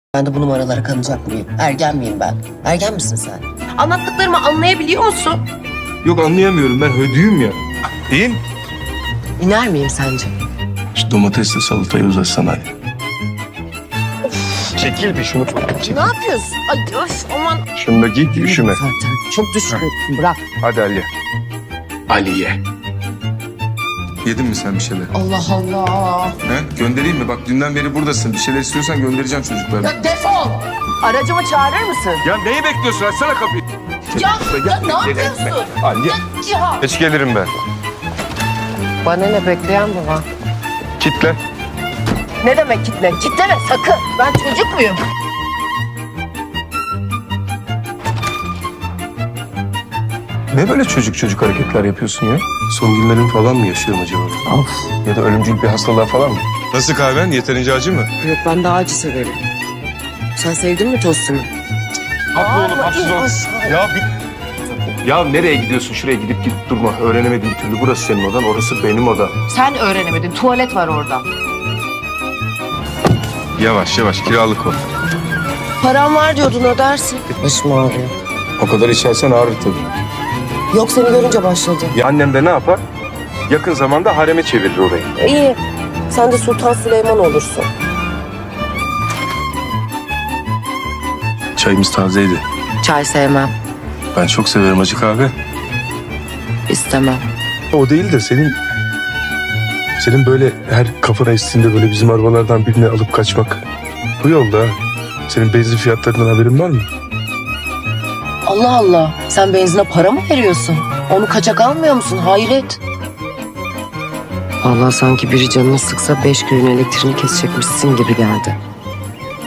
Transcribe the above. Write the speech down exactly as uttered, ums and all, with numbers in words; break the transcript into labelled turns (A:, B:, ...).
A: Ben de bu numaralara kanacak mıyım? Ergen miyim ben? Ergen misin sen?
B: Anlattıklarımı anlayabiliyor musun?
C: Yok anlayamıyorum ben hödüyüm ya. Değil mi?
A: İner miyim sence?
C: Şu domatesle salatayı uzatsana hadi. Çekil bir şunu. Çekil.
B: Ne yapıyorsun? Ay öf aman.
C: Şunu da giy üşüme.
A: Zaten çok düşkün. Bırak.
C: Hadi Ali. Ali ye. Yedin mi sen bir şeyler?
B: Allah Allah.
C: He? Göndereyim mi? Bak dünden beri buradasın. Bir şeyler istiyorsan göndereceğim çocuklara.
B: Ya defol. Aracımı çağırır mısın?
C: Ya neyi bekliyorsun? Açsana kapıyı.
B: Ya, ya ne yapıyorsun?
C: Ali.
B: Ya, ya.
C: Geç gelirim ben.
A: Bana ne bekleyen mi var?
C: Kitle.
B: Ne demek kitle? Kitleme sakın. Ben çocuk muyum?
C: Ne böyle çocuk çocuk hareketler yapıyorsun ya? Son günlerin falan mı yaşıyorum acaba?
A: Of.
C: Ya da ölümcül bir hastalığa falan mı? Nasıl kahven? Yeterince acı mı?
A: Yok ben daha acı severim. Sen sevdin mi tostumu?
C: Haklı oğlum, haksız ol. Ya bir... Ya nereye gidiyorsun? Şuraya gidip gidip durma. Öğrenemedim bir türlü. Burası senin odan, orası benim odam.
B: Sen öğrenemedin. Tuvalet var orada.
C: Yavaş yavaş, kiralık o.
A: Param var diyordun ödersin. Başım ağrıyor.
C: O kadar içersen ağrır tabii.
A: Yok seni görünce başladı.
C: Ya annem de ne yapar? Yakın zamanda hareme çevirir orayı.
A: İyi. Sen de Sultan Süleyman olursun.
C: Çayımız tazeydi.
A: Çay sevmem.
C: Ben çok severim acı kahve.
A: İstemem.
C: O değil de senin... Senin böyle her kafana estiğinde böyle bizim arabalardan birini alıp kaçmak. Bu yolda. Senin benzin fiyatlarından haberin var mı?
A: Allah Allah. Sen benzine para mı veriyorsun? Onu kaçak almıyor musun? Hayret. Allah sanki biri canını sıksa beş köyün elektriğini kesecekmişsin gibi geldi.